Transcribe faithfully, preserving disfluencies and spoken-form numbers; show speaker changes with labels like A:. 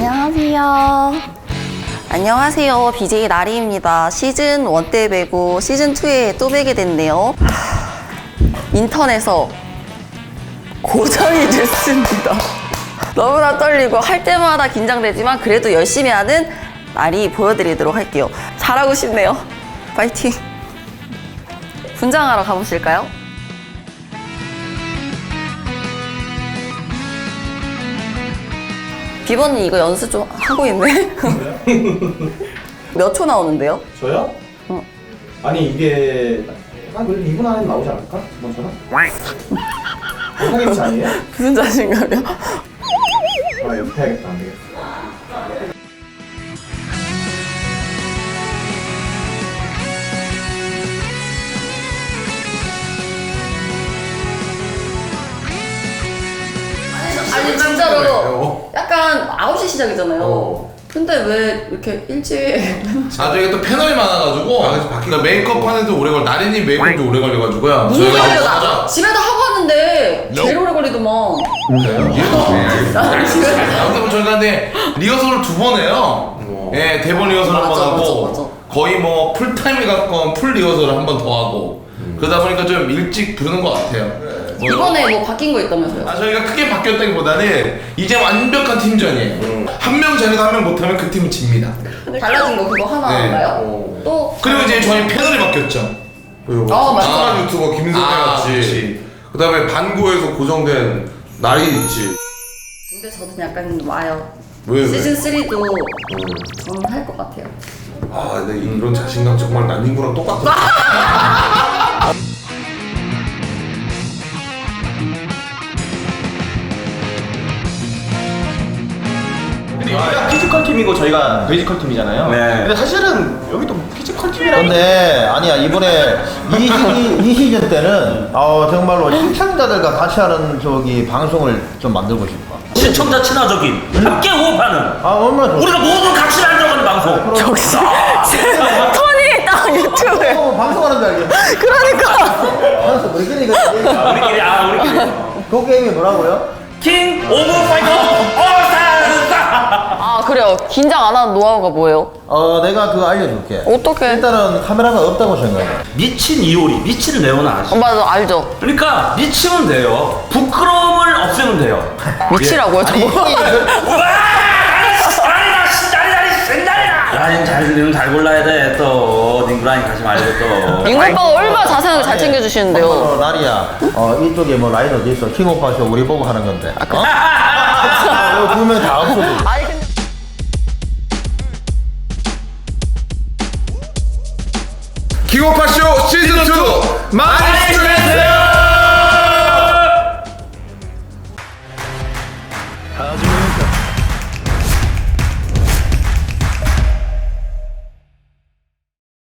A: 안녕하세요. 안녕하세요. 비제이 나리입니다. 시즌 일 때 뵈고 시즌 이에 또 뵈게 됐네요. 인턴에서 고정이 됐습니다. 너무나 떨리고 할 때마다 긴장되지만 그래도 열심히 하는 나리 보여드리도록 할게요. 잘하고 싶네요. 파이팅! 분장하러 가보실까요? 비번님 이거 연습 좀 하고 있네? 몇 초 나오는데요?
B: 저요?
A: 어.
B: 아니 이게 한 그래도 이 분 안에 나오지 않을까? 저번처럼? 사기미치 아니에요?
A: 무슨 자신감이요?
B: 아 연습해야겠다. 안 되겠어.
A: 아니 진짜로 약간 아홉 시 시작이잖아요.
C: 어.
A: 근데 왜 이렇게 일찍
C: 아, 저희가 또 패널이 많아가지고
D: 아, 그래서 바뀌-
C: 그러니까 메이크업 하는데 오래 걸 나리님 메이크업도 오래 걸려가지고요.
A: 무슨
C: 저희가
A: 소리야?
C: 진짜-
A: 나 집에도 하고 왔는데 제일 오래 걸리더만. 나는 집에
C: 아무튼 뭐 저희가 근데 리허설을 두 번 해요.
D: 어.
C: 예, 대본 리허설 한 번
A: 맞아,
C: 하고
A: 맞아, 맞아.
C: 거의 뭐 풀타임에 가까운 풀 리허설을 한 번 더 하고 그러다 보니까 좀 일찍 부르는 것 같아요. 뭐
A: 이번에 뭐 바뀐 거 있다면서요?
C: 아, 저희가 크게 바뀌었다기보다는 이제 완벽한 팀전이에요. 한 명 잘해도 한 명 못하면 그 팀은 집니다.
A: 달라진 거 그거 하나인가요?
D: 어.
A: 또
C: 그리고 이제 저희 패널이 바뀌었죠.
D: 그리고
A: 어, 맞아.
D: 아, 유튜버 김승태
C: 아,
D: 같이
C: 그치.
D: 그다음에 반고에서 고정된 날이 있지.
A: 근데 저도 약간 와요.
D: 왜, 왜?
A: 시즌 삼도 저는 할 것 같아요.
D: 아, 근데 이런 자신감 정말 난닝구랑 똑같아.
B: 여기가 피지컬 팀이고 저희가 뮤지컬 팀이잖아요.
E: 네.
B: 근데 사실은 여기도 피지컬 팀이라.
E: 근데 아니야 이번에 이, 시, 이 시즌 때는 어, 정말로 시청자들과 같이 하는 저기 방송을 좀 만들고 싶어.
F: 시청자 친화적인 함께 호흡하는
E: 아 얼마나 좋아.
F: 우리가 모두 같이 만들어가는 방송.
A: 역시 톤이 딱 유튜브에.
E: 어, 방송하는 줄 알겠네.
A: 그러니까.
E: 알았어 우리끼리 그
F: 아, 우리끼리 아 우리끼리
E: 그 게임이 뭐라고요?
F: 킹 오브 파이터 올스타.
A: 아 그래요. 긴장 안 하는 노하우가 뭐예요?
E: 어 내가 그거 알려줄게.
A: 어떻게?
E: 일단은 카메라가 없다고 생각해.
F: 미친 이효리 미친 레오나 아시?
A: 어, 맞아 알죠.
F: 그러니까 미치면 돼요. 부끄러움을 없애면 돼요.
A: 미치라고요 저거?
F: 와! 아리나 신다리다리 신다리다. 라인 잘, 잘 골라야 돼. 또 닝구라인 가지 말고 또.
A: 잉 오빠가 얼마나 자세하게 잘 챙겨주시는데요.
E: 어, 나리야. 어 이쪽에 뭐 라인 어디 있어? 킹 오빠 쇼 우리 보고 하는 건데. 어? 두 명 다 없어.
A: 아니 근데
D: 킹오파쇼 시즌 투 많이 시청해주세요.